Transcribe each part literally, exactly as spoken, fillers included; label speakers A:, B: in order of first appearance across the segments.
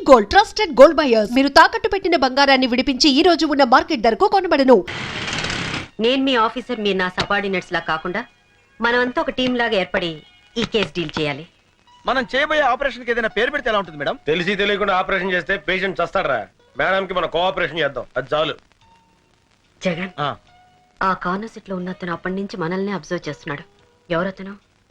A: Gold, trusted gold buyers. మీరు తాకట్టు పెట్టిన బంగారాన్ని విడిపించి ఈ రోజు ఉన్న మార్కెట్ ధరకు కొనబడను.
B: నేను మీ ఆఫీసర్, మీరు నా సబార్డినేట్స్ లా కాకుండా మనమంతా ఒక టీం లాగా ఏర్పడి ఈ కేసు డీల్ చేయాలి.
C: మనం చేయబోయే ఆపరేషన్ కి ఏదైనా పేరు పెడితే ఎలా ఉంటుంది మేడం?
D: తెలిసి తెలియకుండా ఆపరేషన్ చేస్తే పేషెంట్ చస్తాడరా. మేడం కి మనం కోఆపరేషన్ చేద్దాం, అది చాలు.
B: జగన్, ఆ కార్నర్ సీట్ లో ఉన్న అతను అప్పటి నుంచి మనల్ని అబ్జర్వ్ చేస్తున్నాడు. ఎవరతను?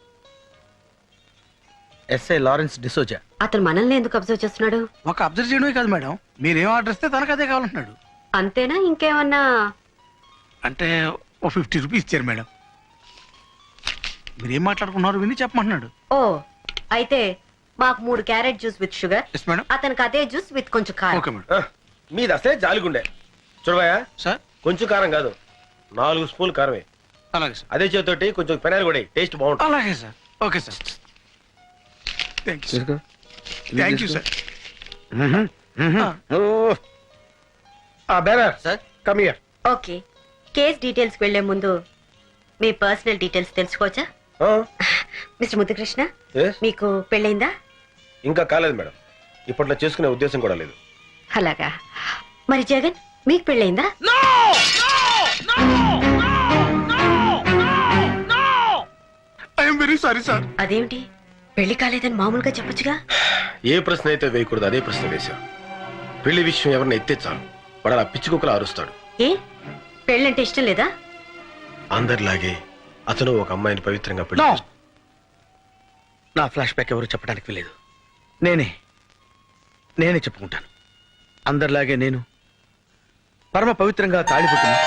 C: SI Lawrence D'Souza.
B: అతను మనల్ని ఎందుకు అబ్జర్వ్ చేస్తున్నాడు?
E: ఒక అబ్జర్వ్ చేయడమే కాదు మేడం, మీరేం ఆర్డర్ ఇస్తే తనకు అదే కావాలంటున్నాడు.
B: అంతేనా? ఇంకేమన్నా?
E: అంటే ఓ ఫిఫ్టీ రూపీస్ ఇచ్చారు మేడం. మీరేం మాట్లాడుకున్నారు విని చెప్పమంటున్నాడు.
B: ఓ, అయితే మాకు మూడు carrot juice with sugar,
E: yes madam.
B: అతనికి అదే జ్యూస్ విత్ కొంచెం కారం.
E: Okay madam.
D: మీది అసలే జాలిగుండే. చూడబాయా
E: సార్,
D: కొంచెం కారం కాదు, నాలుగు స్పూన్ కారమే.
E: అలాగే సార్.
D: అదే చేతోటి కొంచెం పెనాయిల్ కూడా టేస్ట్ బాగుంటుంది.
E: అలాగే sir. Okay sir. Thank you thank you sir.
D: Bearer sir, come here.
B: Okay, case details వెళ్లే ముందు మీ పర్సనల్ డీటెయిల్స్ తెలుసుకోవచ్చా? మిస్టర్ ముద్దుకృష్ణ, మీకు పెళ్ళైందా?
D: ఇంకా కాలేదు మేడం, ఇప్పట్లో చేసుకునే ఉద్దేశం కూడా లేదు.
B: అలాగా. మరి జగన్, మీకు పెళ్ళైందా?
E: I'm very sorry sir.
B: అదేమిటి, పెళ్లి కాలేదని మామూలుగా చెప్పొచ్చుగా?
D: ఏ ప్రశ్న అయితే వేయకూడదు అదే ప్రశ్న వేశాం. పెళ్లి విషయం ఎవరిని ఎత్తే చాలు వాడు అలా పిచ్చి కుక్కలా అరుస్తాడు.
B: ఏ, పెళ్ళంటే ఇష్టం లేదా?
D: అందరిలాగే అతను ఒక అమ్మాయిని పవిత్రంగా పెళ్లి
C: No.
D: చేసుకున్నాడు.
C: నా ఫ్లాష్ బ్యాక్ ఎవరు చెప్పడానికి లేదు, నేనే నేనే చెప్పుకుంటాను. అందరిలాగే నేను పరమ పవిత్రంగా తాళిపుట్టును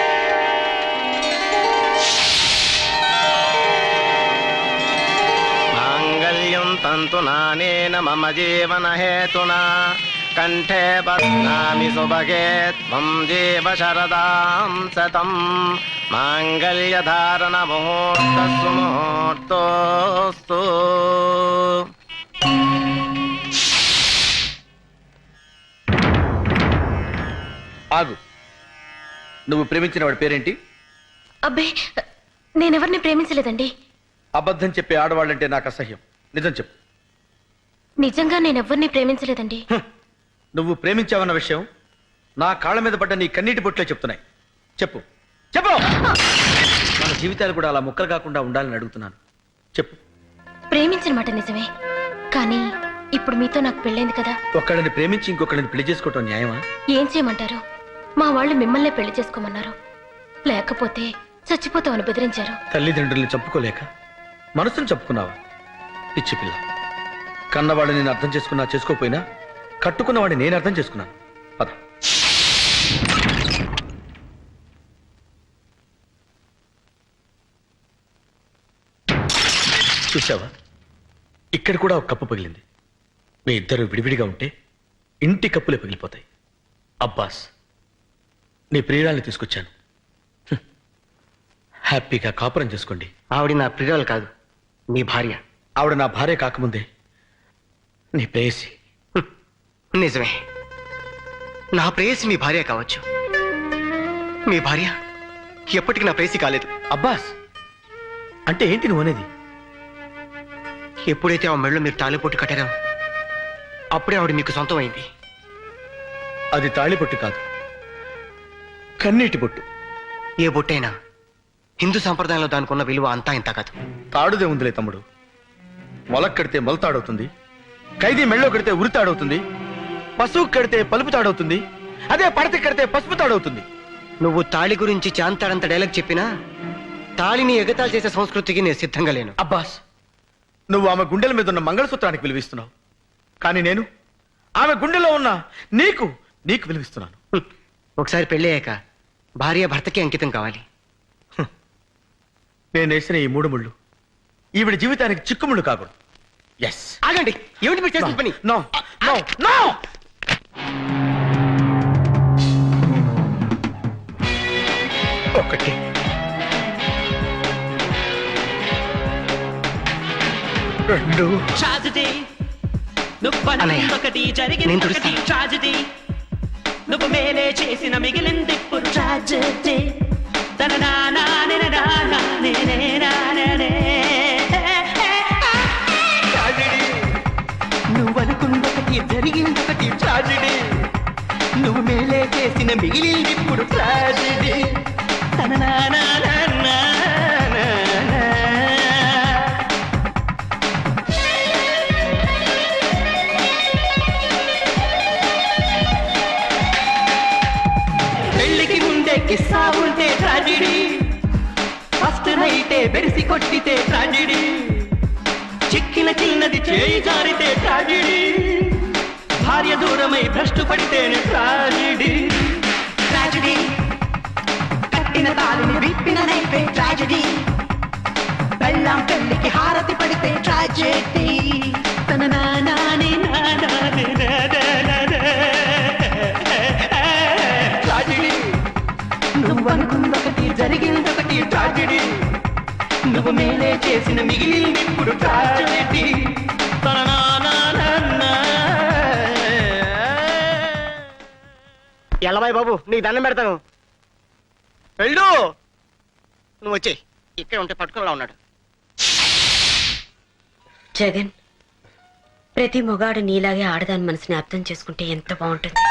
F: మాంగళ్యం తంతునానేన మమ జీవన హేతునా కంఠే బధ్నామి సుభగే త్వం జీవ శరదాం శతం మాంగళ్య ధారణ ముహూర్తస్సు ముహూర్తోస్తు.
C: ఆగు. నువ్వు ప్రేమించిన వాడి పేరేంటి?
G: అబ్బే, నేనెవరిని ప్రేమించలేదండి.
C: అబద్ధం చెప్పే ఆడవాళ్ళంటే నాకు అసహ్యం. నిజం చెప్పు.
G: నిజంగా నేనెవ్వరిని ప్రేమించలేదండి.
C: నువ్వు ప్రేమించావన్న విషయం నా కాళ్ళ మీద పడ్డ నీ కన్నీటి బొట్లే చెప్తున్నాయి. చెప్పు చెప్పు. మన జీవితాలు కూడా అలా ముక్కలు కాకుండా ఉండాలని అడుగుతున్నాను. చెప్పు.
G: ప్రేమించిన మాట నిజమే, కానీ ఇప్పుడు మీతో నాకు పెళ్ళైంది కదా.
C: ఒక్కడిని ప్రేమించి ఇంకొకడిని పెళ్లి చేసుకోవటం న్యాయమా?
G: ఏం చేయమంటారు? మా వాళ్ళు మిమ్మల్నే పెళ్లి చేసుకోమన్నారు, లేకపోతే చచ్చిపోతామని బెదిరించారు.
C: తల్లిదండ్రుల్ని చంపుకోలేక మనసును చంపుకున్నావా? పిచ్చి పిల్ల. కన్నవాడిని నేను అర్థం చేసుకున్నా చేసుకోపోయినా కట్టుకున్నవాడిని నేను అర్థం చేసుకున్నాను. పద. చూసావా, ఇక్కడ కూడా ఒక కప్పు పగిలింది. మీ ఇద్దరు విడివిడిగా ఉంటే ఇంటి కప్పులే పగిలిపోతాయి. అబ్బాస్, నీ ప్రియురాల్ని తీసుకొచ్చాను. హ్మ్. హ్యాపీగా కాపురం చేసుకోండి.
F: ఆవిడ నా ప్రియురాలు కాదు, మీ భార్య.
C: ఆవిడ నా భార్య కాకముందే నీ ప్రేయసి.
F: నిజమే, నా ప్రేయసి మీ భార్య కావచ్చు. మీ భార్య ఎప్పటికీ నా ప్రేయసి కాలేదు.
C: అబ్బాస్, అంటే ఏంటి నువ్వు అనేది?
F: ఎప్పుడైతే ఆ మెళ్ళో మీరు తాళిపొట్టు కట్టారో అప్పుడే ఆవిడ మీకు సొంతం అయింది.
C: అది తాళిబొట్టు కాదు, కన్నీటి బొట్టు.
F: ఏ బొట్టైనా హిందూ సంప్రదాయంలో దానికి ఉన్న విలువ అంతా ఇంత కాదు.
C: తాడుదే ఉందిలే తమ్ముడు. మొలక్ కడితే మొలతాడవుతుంది, ఖైదీ మెళ్ళో కడితే ఉరితాడవుతుంది, పశువు కడితే పలుపు తాడవుతుంది, అదే పడత కడితే పసుపు తాడవుతుంది.
F: నువ్వు తాళి గురించి చాంతాడంత డైలాగ్ చెప్పినా తాళిని ఎగతాళి చేసే సంస్కృతికి నేను సిద్ధంగా లేను.
C: అబ్బాస్, నువ్వు ఆమె గుండెల మీద ఉన్న మంగళసూత్రానికి విలువిస్తున్నావు, కానీ నేను ఆమె గుండెలో ఉన్న నీకు నీకు విలువిస్తున్నాను.
F: హ్మ్. ఒకసారి పెళ్ళయ్యాక భార్య భర్తకి అంకితం కావాలి.
C: నేను వేసిన ఈ మూడు ముళ్ళు ఈవిడ జీవితానికి చిక్కుముళ్ళు కాకూడదు. ఎస్.
F: ఆగండి, ఏమిటి మీరు చేసిన పని?
C: No no no. ఒకటి, రెండు.
F: నేను తుడుస్తాను.
H: ట్రాజెడీ నువ్వు మేలే చేసిన మిగిలింది ఇప్పుడు ట్రాజెడీ. నువ్వు అనుకున్న ఒకటి జరిగిందొకటి ట్రాజెడీ నువ్వు మేలే చేసిన మిగిలింది ఇప్పుడు ట్రాజెడీ తన నానా పెళ్లికి ముందే కిస్సా ఉంటే ట్రాజెడీ ఫస్ట్ నైటే బెరిసి కొట్టితే ట్రాజెడీ చిక్కిన చిన్నది చేయి జారితే ట్రాజెడీ భార్య దూరమై భ్రష్టు పడితేనే ట్రాజెడీ ట్రాజెడీ కట్టిన తాళిని విప్పిన నైపే ట్రాజెడీ బెల్లం పెళ్లికి హారతి పడితే ట్రాజెడీ తన నానాని నానాని ట్రాజెడీ నువ్వు అనుకుందొకటి జరిగిందొకటి ట్రాజెడీ నువ్వు మేలే చేసిన మిగిలింది ఇప్పుడు ట్రాజెడీ
F: ఎల్లబాయ్ బాబు నీకు దండం పెడతాను వెళ్ళు నువ్వు వచ్చేయ్ ఇక్కడ ఉంటే పట్టుకునేలా ఉన్నాడు
B: జగన్ ప్రతి మొగాడు నీలాగే ఆడదాని మనసుని అర్థం చేసుకుంటే ఎంత బాగుంటుంది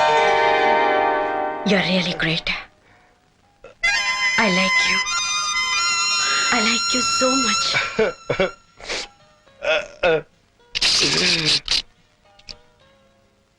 B: you are really great I like you I like you so much